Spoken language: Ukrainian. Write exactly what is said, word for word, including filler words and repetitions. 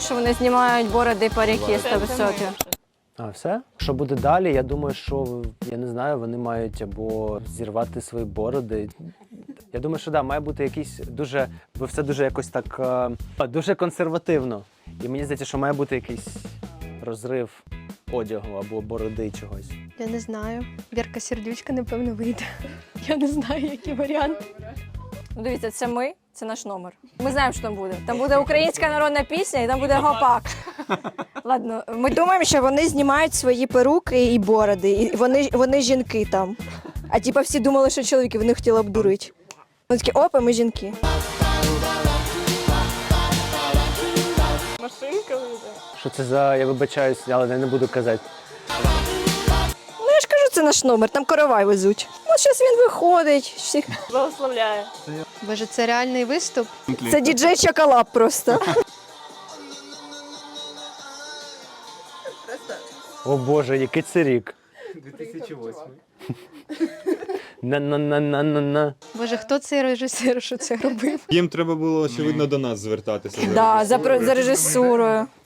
що вони знімають бороди і парики сто відсотків. А, все? Що буде далі? Я думаю, що, я не знаю, вони мають або зірвати свої бороди. Я думаю, що да, має бути якийсь дуже, бо все дуже якось так, е, дуже консервативно. І мені здається, що має бути якийсь розрив одягу або бороди чогось. Я не знаю. Вірка Сердючка, напевно, вийде. Я не знаю, які варіанти. Ну, дивіться, це ми, це наш номер. Ми знаємо, що там буде. Там буде українська народна пісня і там буде гопак. Ладно, ми думаємо, що вони знімають свої перуки і бороди. І вони, вони жінки там. А типа всі думали, що чоловіки, вони хотіли обдурити. Вони такі, опа, ми жінки. Машинка вийде. Що це за, я вибачаюсь, але я не буду казати. Ну я ж кажу, це наш номер, там коровай везуть. От зараз він виходить. Всіх... Благословляє. Боже, це реальний виступ? Це діджей Чоколад просто. О Боже, який це рік? дві тисячі восьмий. На-на-на-на-на-на. Боже, хто цей режисер, що це робив? Їм треба було, очевидно, до нас звертатися. Да, за, про- за режисурою.